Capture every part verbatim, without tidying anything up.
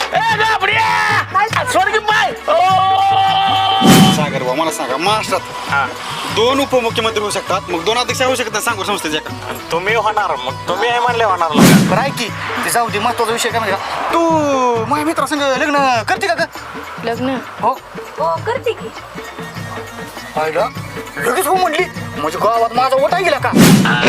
सागर भाऊ मला सांगा महाराष्ट्रात दोन उपमुख्यमंत्री होऊ शकतात मग दोन अध्यक्ष होऊ शकतात सांगू संस्थेच्या का तुम्ही होणार मग तुम्ही आहे म्हणले होणार बरं आहे की ते जाऊ दे महत्वाचा विषय काय म्हणजे तू माझ्या मित्रासंग लग्न करते का ग लग्न हो हो करते की पाहिलं लगेच हो म्हणली म्हणजे गावात माझा ओटा गेला का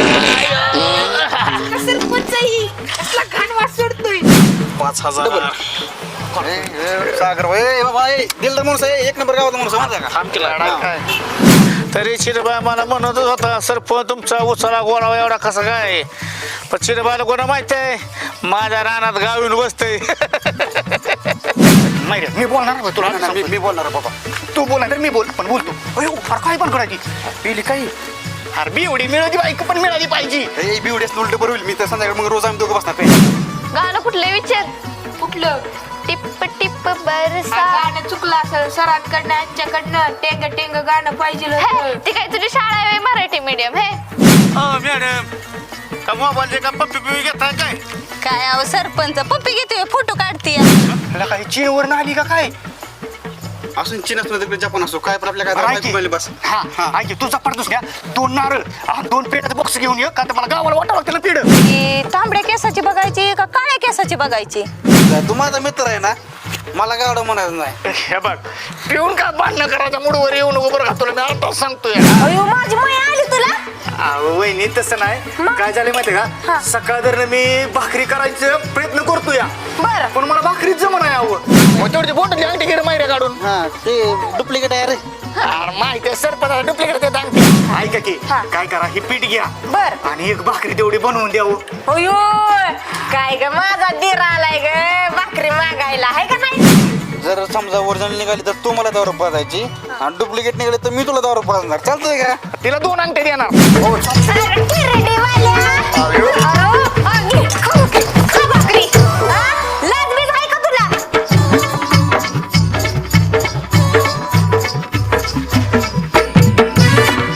सरपंचही कसला घाण वास सोडतोय पाच हजार अरे, ए, सागर भाऊ ए बाबा ए दिलदार माणूस आहे एक नंबर गावात माणूस आहे, माहिती आहे का थांब केला हा. तरी चिरबाय मला म्हणतच होता सरपंच तुमचा उचला गोळावा एवढा कसा काय पण चिरबायला कोणा माहित आहे माझ्या रानात गावीन बसतंय नाही रे, मी बोलणार नाही, तुला नाही, मी मी बोलणार आहे बाबा तू बोलणार मी बोल पण बोलतो अयो फार काय पण करायची पिली काही अरे बिवडी मिळाली बाईक पण मिळाली पाहिजे ए बिवडीच उलट बरं होईल मी तर संध्याकाळी मग रोज आम्ही दोघं बसणार पाहिजे गाणं कुठलं विचार कुठलं टिप टिप बरसा गाणं चुकलं असेल सरांकडनं यांच्याकडनं टेंग टेंग गाणं पाहिजे हे, होतं. ती काय तुझी शाळा आहे मराठी मीडियम हे मॅडम का मोबाईलचे का पप्पी पिपी घेताय काय काय अहो सरपंच पप्पी घेते फोटो काढते तुला काही चीनवर आली का काय असून चीन असतो तिकडे जपान असो काय पण आपल्या काय बस हा हा ऐक तू जपाडतोस घ्या दोन नारळ हा, दोन पेटाचे बॉक्स घेऊन ये का तर मला गावाला वाटावं लागतं ना पेढ ती तांबड्या केसाची बघायची का काळ्या केसाची बघायची तू माझा मित्र आहे ना मला गावडं म्हणायचं नाही हे बघ पिऊन का भांडणं करायच्या मूडवर येऊन उभं राहतो मी आता सांगतोय अयो माझी माय आली तुला अहो वहिनी तसं नाही काय झालं माहिती का सकाळ दर मी भाकरी करायचा प्रयत्न करतो या बर पण मला भाकरीच जमण आहे अहो मग तेवढी बोटली अंगठी घेर मायऱ्या काढून हा ते डुप्लिकेट आहे रे अरे माहिती आहे सरपंच डुप्लिकेट देत अंगठी ऐका की काय करा ही पीठ घ्या बर आणि एक भाकरी तेवढी बनवून द्यावं अयो काय ग माझा दीर आलाय ग भाकरी मागायला आहे का नाही जर समजा ओरिजिनल निघाली तर तू मला दारू पाजायची आणि डुप्लिकेट निघाली तर मी तुला दारू पाजणार चालतंय का तिला दोन अंगठी देणार अरे, किरडीवाल्या. अरे,